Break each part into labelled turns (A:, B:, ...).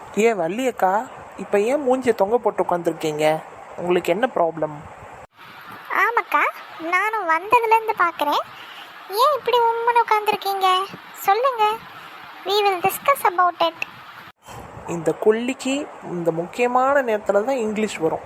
A: ஏன் வள்ளியக்கா, இப்போ ஏன் மூஞ்சியை தொங்க போட்டு உட்காந்துருக்கீங்க? உங்களுக்கு என்ன ப்ராப்ளம்?
B: ஆமாக்கா, நானும் வந்ததுலேருந்து பார்க்குறேன். ஏன் இப்படி உம்முன்னு உட்காந்துருக்கீங்க? சொல்லுங்க, we will discuss about it.
A: இந்த கொல்லிக்கு இந்த முக்கியமான நேரத்தில் தான் இங்கிலீஷ் வரும்.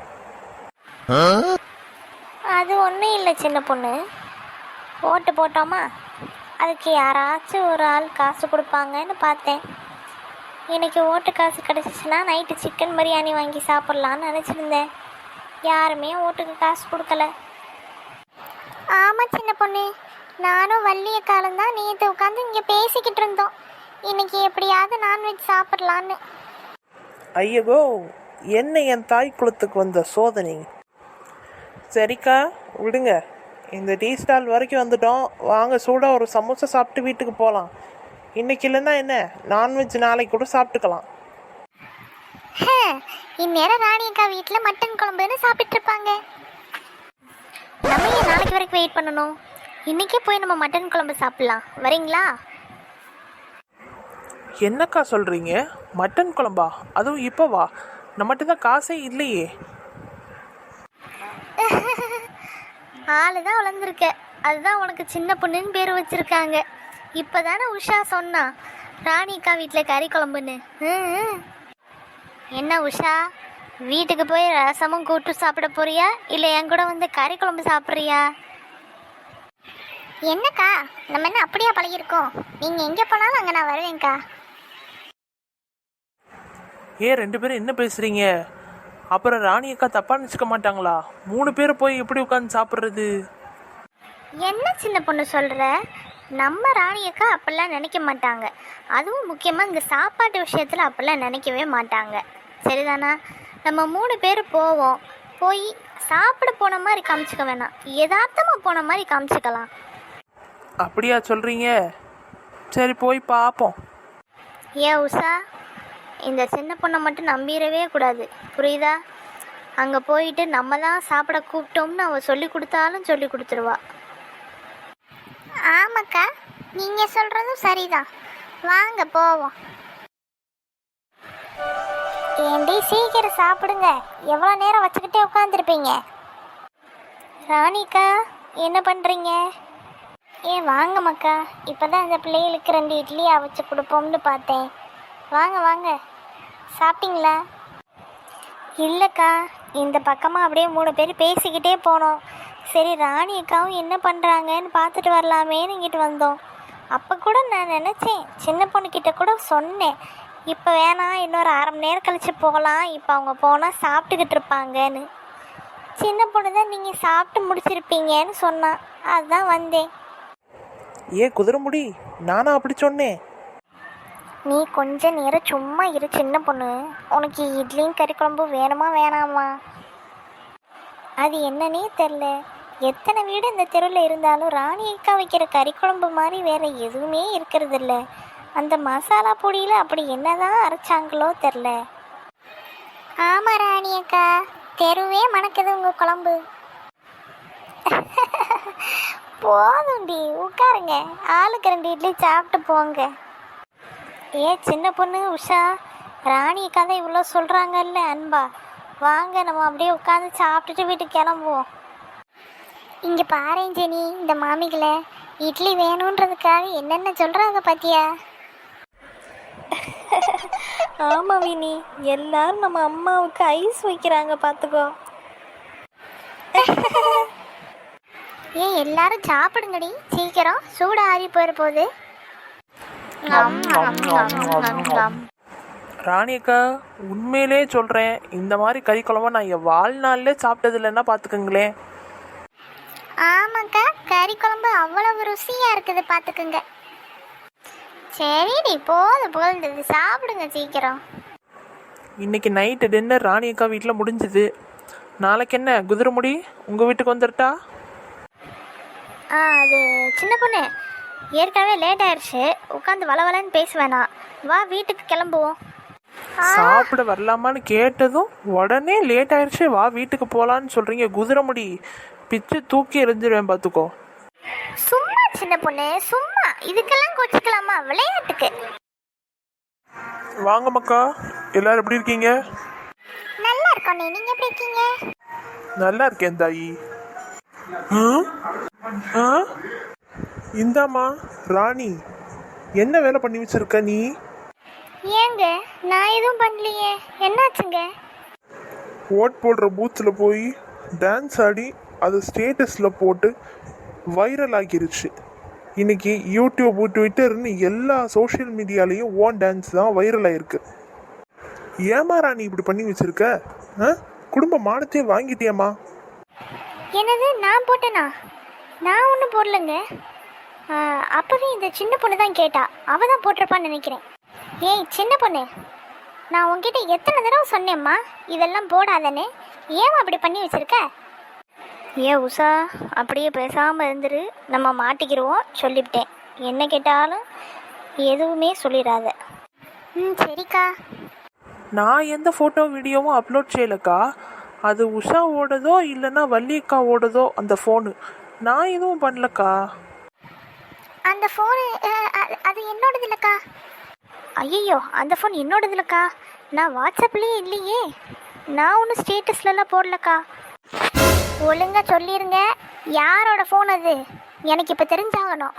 B: அது ஒன்றும் இல்லை சின்ன பொண்ணு. ஓட்டு போட்டோமா, அதுக்கு யாராச்சும் ஒரு ஆள் காசு கொடுப்பாங்கன்னு பார்த்தேன். இன்னைக்கு ஓட்டு காசு கிடச்சிச்சின்னா நைட்டு சிக்கன் பிரியாணி வாங்கி சாப்பிட்லான்னு நினச்சிருந்தேன். யாருமே ஓட்டுக்கு காசு கொடுக்கல. ஆமாம் சின்ன பொண்ணு, நானும் வள்ளிய காலம்தான் நேற்று உட்காந்து இங்கே பேசிக்கிட்டு இருந்தோம். இன்னைக்கு எப்படியாவது நான்வெஜ் சாப்பிட்லான்னு.
A: ஐயகோ, என்ன என் தாய் குலத்துக்கு வந்த சோதனை. சரிக்கா, விடுங்க. இந்த டீ ஸ்டால் வரைக்கும் வந்துட்டோம். வாங்க, சூடாக ஒரு சமோசா சாப்பிட்டு வீட்டுக்கு போகலாம். இன்னைக்கு இல்லைன்னா என்ன, நான்வெஜ் நாளைக்கு கூட சாப்பிட்டுக்கலாம்.
B: இந்நேரம் ராணி அக்கா வீட்டில் மட்டன் குழம்புன்னு சாப்பிட்டு இருப்பாங்க. நம்ம ஏன் நாளைக்கு வரைக்கும் வெயிட் பண்ணணும்? இன்னைக்கே போய் நம்ம மட்டன் குழம்பு சாப்பிடலாம். வரீங்களா?
A: என்னக்கா சொல்கிறீங்க? மட்டன் குழம்பா? அதுவும் இப்போவா? நம்மகிட்ட தான் காசே இல்லையே.
B: ஆளு தான் வளர்ந்துருக்க, அதுதான் உனக்கு சின்ன பொண்ணுன்னு பேர் வச்சுருக்காங்க. இப்போ தானே உஷா சொன்னா ராணிக்கா வீட்டில் கறி குழம்புன்னு. என்ன உஷா, வீட்டுக்கு போய் ரசமும் கூட்டு சாப்பிட போறியா, இல்லை என் கூட வந்து கறி குழம்பு சாப்பிட்றியா? என்னக்கா, நம்ம என்ன அப்படியா பழகிருக்கோம்? நீங்கள் எங்கே போனாலும் அங்கே நான் வருவேன்க்கா.
A: ஏன் 2 பேரும் என்ன பேசுகிறீங்க? அப்புறம் ராணி அக்கா தப்பாக நினச்சிக்க மாட்டாங்களா? 3 பேர் போய் எப்படி உட்காந்து சாப்பிட்றது?
B: என்ன சின்ன பொண்ணு சொல்கிற? நம்ம ராணி அக்கா அப்படிலாம் நினைக்க மாட்டாங்க. அதுவும் முக்கியமாக இந்த சாப்பாட்டு விஷயத்தில் அப்படிலாம் நினைக்கவே மாட்டாங்க. சரிதானா? நம்ம 3 பேர் போவோம். போய் சாப்பிட போன மாதிரி காமிச்சிக்க வேணாம், யதார்த்தமாக போன மாதிரி காமிச்சிக்கலாம்.
A: அப்படியா சொல்கிறீங்க? சரி, போய் பார்ப்போம்.
B: ஏன் உஷா, இந்த சின்ன பொண்ணை மட்டும் நம்பிடவே கூடாது, புரியுதா? அங்கே போயிட்டு நம்ம தான் சாப்பிட கூப்பிட்டோம்னு அவள் சொல்லி கொடுத்தாலும் சொல்லி கொடுத்துருவா. ஆமாக்கா, நீங்கள் சொல்கிறதும் சரிதான். வாங்க போவோம். ஏண்டி சீக்கிரம் சாப்பிடுங்க, எவ்வளோ நேரம் வச்சுக்கிட்டே உட்காந்துருப்பீங்க? ராணிக்கா, என்ன பண்ணுறீங்க? வாங்க மக்கா, இப்போ தான் இந்த பிள்ளைகளுக்கு 2 இட்லி அவிச்சு கொடுப்போம்னு பார்த்தேன். வாங்க வாங்க, சாப்பிட்டீங்களா? இல்லைக்கா, இந்த பக்கமாக அப்படியே 3 பேர் பேசிக்கிட்டே போனோம். சரி, ராணி அக்காவும் என்ன பண்ணுறாங்கன்னு பார்த்துட்டு வரலாமேன்னு இங்கிட்டு வந்தோம். அப்போ கூட நான் நினச்சேன், சின்ன பொண்ணுக்கிட்ட கூட சொன்னேன், இப்போ வேணாம், இன்னொரு 1/2 மணி நேரம் கழித்து போகலாம், இப்போ அவங்க போனால் சாப்பிட்டுக்கிட்டு இருப்பாங்கன்னு. சின்ன பொண்ணு தான் நீங்கள் சாப்பிட்டு முடிச்சிருப்பீங்கன்னு சொன்னான், அதுதான் வந்தேன்.
A: ஏன் குதிரைமுடி, நானா அப்படி சொன்னேன்?
B: நீ கொஞ்ச நேரம் சும்மா இரு சின்ன பொண்ணு. உனக்கு இட்லியும் கறி குழம்பும் வேணுமா வேணாமா? அது என்னன்னே தெரில. எத்தனை வீடு இந்த தெருவில் இருந்தாலும் ராணி அக்கா வைக்கிற கறி குழம்பு மாதிரி வேறு எதுவுமே இருக்கிறது இல்லை. அந்த மசாலா பொடியில் அப்படி என்னதான் அரைச்சாங்களோ தெரில. ஆமாம் ராணி அக்கா, தெருவே மணக்குது உங்கள் குழம்பு. போதும்டி, உட்காருங்க, ஆளுக்கு 2 இட்லி சாப்பிட்டு போங்க. சின்ன பொண்ணு உஷா, ராணி அக்கா தான் இவ்வளோ சொல்கிறாங்கல்ல அன்பா, வாங்க நம்ம அப்படியே உட்காந்து சாப்பிட்டுட்டு வீட்டுக்கு கிளம்புவோம். இங்கே பாருங்க ஜெனி, இந்த மாமிகளை இட்லி வேணுன்றதுக்காக என்னென்ன சொல்கிறாங்க பார்த்தியா? ஆமாம் வினி, எல்லாரும் நம்ம அம்மாவுக்கு ஐஸ் வைக்கிறாங்க பார்த்துக்கோ. எல்லாரும் சாப்பிடுங்கடி சீக்கிரம், சூடு ஆறி போயிட போகுது.
A: ராணி அக்கா, உண்மையிலே சொல்கிறேன், இந்த மாதிரி கறி குழம்பா நான் என் வாழ்நாளிலே சாப்பிட்டது இல்லைன்னா பார்த்துக்குங்களேன்.
B: ஆமாக்கா, கறி குழம்பு அவ்வளவு ருசியாக இருக்குது பார்த்துக்குங்க. சரிடி, போதும் சாப்பிடுங்க சீக்கிரம்.
A: இன்னைக்கு நைட்டு டின்னர் ராணி அக்கா வீட்டில் முடிஞ்சுது. நாளைக்கு என்ன குதிரைமுடி, உங்கள் வீட்டுக்கு வந்துட்டா?
B: அது சின்ன பொண்ணு, ஏற்கனவே லேட் ஆயிடுச்சு, உட்காந்து வளவலன்னு பேச வேணாம், வா வீட்டுக்கு கிளம்புவோம்.
A: சாப்பிட வரலாமான்னு கேட்டதும் உடனே லேட் ஆயிடுச்சு, வா வீட்டுக்கு போகலான்னு சொல்கிறீங்க. குதிரைமுடி, பிச்சு தூக்கி எறிஞ்சிருவேன் பார்த்துக்கோ.
B: சும்மா சின்ன பொண்ணு, சும்மா, இதுக்கெல்லாம் கொச்சிக்கலாமா? விளையாட்டுக்கு
A: வாங்க மக்கா,
C: எல்லாரும் எப்படி இருக்கீங்க?
B: நல்லா இருக்கோம். நீங்க எப்படி இருக்கீங்க?
C: நல்லா இருக்கேன் தாயி. இந்தாம்மா ராணி, என்ன வேலை பண்ணி வச்சிருக்க நீ?
B: ஏங்க நான் எதுவும் பண்ணலையே, என்னாச்சுங்க?
C: ஓட் போடுற பூத்தில் போய் டான்ஸ் ஆடி அது ஸ்டேட்டஸில் போட்டு வைரல் ஆகிருச்சு. இன்னைக்கு யூடியூப், ட்விட்டர்னு எல்லா சோஷியல் மீடியாலேயும் ஓன் டான்ஸ் தான் வைரல் ஆயிருக்கு. ஏமா ராணி இப்படி பண்ணி வச்சிருக்க? குடும்ப மானத்தையே வாங்கிட்டியம்மா.
B: என்னது, நான் போட்டேனா? நான் ஒன்றும் போடலங்க. அப்போவே இந்த சின்ன பொண்ணு தான் கேட்டா, அவள் தான் போட்டிருப்பான்னு நினைக்கிறேன். ஏய் சின்ன பொண்ணு, நான் உங்ககிட்ட எத்தனை தடவை சொன்னேம்மா இதெல்லாம் போடாதேன்னு, ஏன் அப்படி பண்ணி வச்சிருக்க? ஏன் உஷா, அப்படியே பேசாமல் இருந்துரு, நம்ம மாட்டிக்கிடுவோம். சொல்லிவிட்டேன், என்ன கேட்டாலும் எதுவுமே சொல்லிடாத. சரிக்கா.
A: நான் எந்த ஃபோட்டோ வீடியோவும் அப்லோட் செய்யலக்கா. அது உஷாவோடதோ இல்லைன்னா வள்ளியக்காவோடதோ அந்த ஃபோனு. நான் எதுவும் பண்ணலக்கா.
B: அந்த ஃபோனு அது என்னோடது இல்லைக்கா. ஐயோ, அந்த ஃபோன் என்னோடது இல்லைக்கா. நான் வாட்ஸ்அப்லேயே இல்லையே. நான் ஒன்றும் ஸ்டேட்டஸ்லலாம் போடலக்கா. ஒழுங்கா சொல்லிடுங்க, யாரோட ஃபோன் அது? எனக்கு இப்போ தெரிஞ்சாகணும்.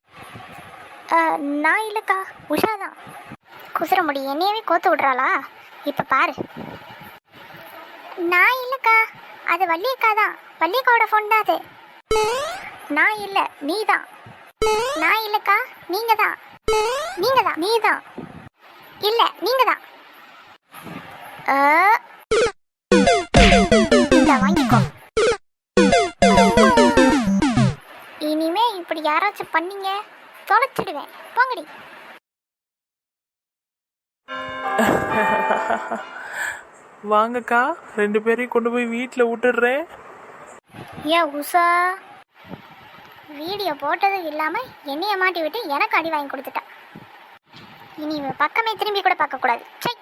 B: நான் இல்லைக்கா, உஷா தான். குசுற முடி என்னையவே கோத்து விட்றாளா? இப்போ பாரு. நான் இல்லைக்கா, அது வள்ளியக்கா தான். வள்ளியக்காவோட ஃபோன் தான் அது. நான் இல்லை, நீ தான். நான் இல்லைக்கா, நீங்கள் தான். நீங்கள் தான், நீ தான். இல்லை, நீங்கள் தான். வாங்கிக்கோ. இனிமே இப்படி யாராச்சும் பண்ணீங்க, தொலைச்சிடுவேன். போங்கடி.
A: வாங்கக்கா, 2 பேரையும் கொண்டு போய் வீட்டில் விட்டுடுறேன்.
B: ஏன் உஷா, வீடியோ போட்டது இல்லாமல் என்னைய மாட்டி விட்டு எனக்கு அடி வாங்கி கொடுத்துட்டா. இனி இவ பக்கமே திரும்பி கூட பார்க்கக்கூடாது. சை.